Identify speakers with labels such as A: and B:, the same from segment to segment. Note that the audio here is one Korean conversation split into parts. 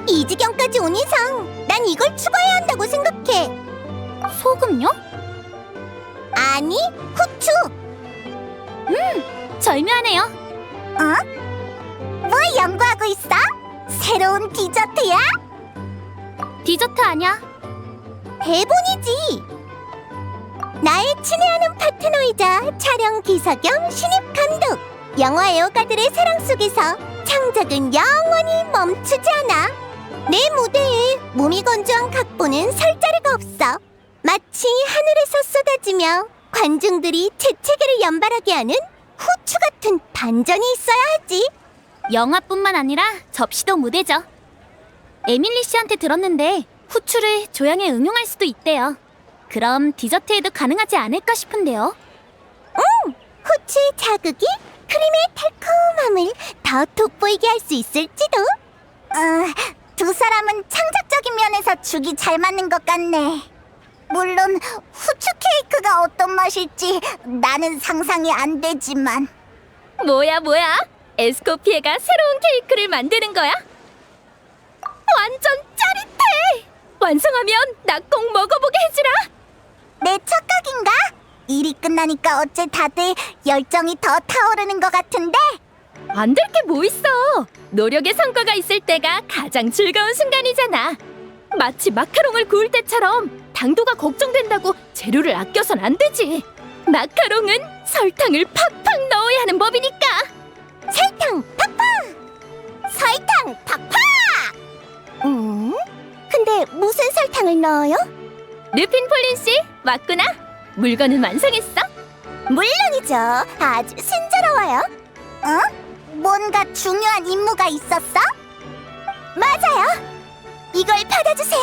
A: 이 지경까지 온 이상 난 이걸 추가해야 한다고 생각해. 소금요? 아니, 후추. 절묘하네요. 어? 뭐 연구하고 있어? 새로운 디저트야? 디저트 아니야. 대본이지. 나의 친애하는 파트너이자 촬영 기사 겸 신입 감독. 영화 애호가들의 사랑 속에서 창작은 영원히 멈추지 않아. 내 무대에 몸이 건조한 각본은 설 자리가 없어. 마치 하늘에서 쏟아지며 관중들이 재채기를 연발하게 하는 후추 같은 반전이 있어야 하지. 영화뿐만 아니라 접시도 무대죠. 에밀리 씨한테 들었는데 후추를 조향에 응용할 수도 있대요. 그럼 디저트에도 가능하지 않을까 싶은데요. 후추의 자극이 크림의 달콤함을 더 돋보이게 할 수 있을지도. 두 사람은 창작적인 면에서 죽이 잘 맞는 것 같네. 물론 후추 케이크가 어떤 맛일지 나는 상상이 안 되지만.
B: 뭐야? 에스코피에가 새로운 케이크를 만드는 거야? 완전 짜릿해! 완성하면 나 꼭 먹어보게 해주라!
A: 내 착각인가? 일이 끝나니까 어째 다들 열정이 더 타오르는 것 같은데?
B: 안 될 게 뭐 있어! 노력의 성과가 있을 때가 가장 즐거운 순간이잖아. 마치 마카롱을 구울 때처럼 당도가 걱정된다고 재료를 아껴선 안 되지. 마카롱은 설탕을 팍팍 넣어야 하는 법이니까.
A: 설탕 팍팍! 설탕 팍팍! 근데 무슨 설탕을 넣어요?
B: 르핀 폴린 씨, 왔구나. 물건은 완성했어?
A: 물론이죠. 아주 순조로워요. 뭔가 중요한 임무가 있었어? 맞아요. 이걸 받아주세요.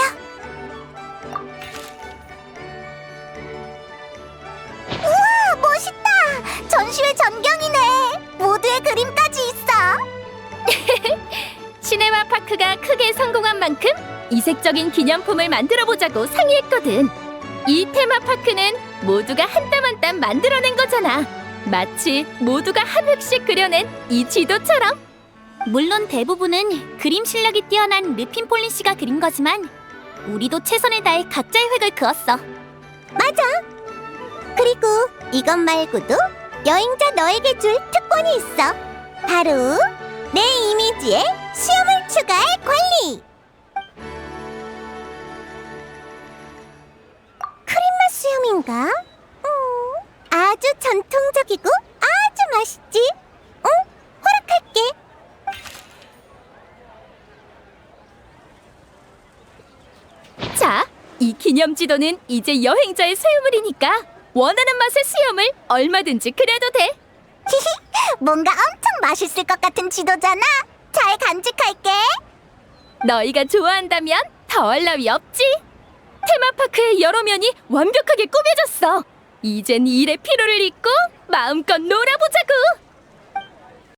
A: 우와, 멋있다. 전시회 전경이네. 모두의 그림까지 있어.
B: 시네마 파크가 크게 성공한 만큼 이색적인 기념품을 만들어보자고 상의했거든. 이 테마파크는 모두가 한 땀 한 땀 만들어낸 거잖아. 마치 모두가 한 획씩 그려낸 이 지도처럼.
A: 물론 대부분은 그림 실력이 뛰어난 르핀 폴린 씨가 그린 거지만 우리도 최선을 다해 각자의 획을 그었어. 맞아. 그리고 이것 말고도 여행자 너에게 줄 특권이 있어. 바로 내 이미지에 수염을 추가할 권리. 크림맛 수염인가? 아주 전통적이고 아주 맛있지? 허락할게.
B: 자, 이 기념 지도는 이제 여행자의 소유물이니까 원하는 맛의 수염을 얼마든지 그려도 돼.
A: 뭔가 엄청 맛있을 것 같은 지도잖아. 잘 간직할게.
B: 너희가 좋아한다면 더할 나위 없지. 테마파크의 여러 면이 완벽하게 꾸며졌어. 이젠 일의 피로를 잊고 마음껏 놀아보자고.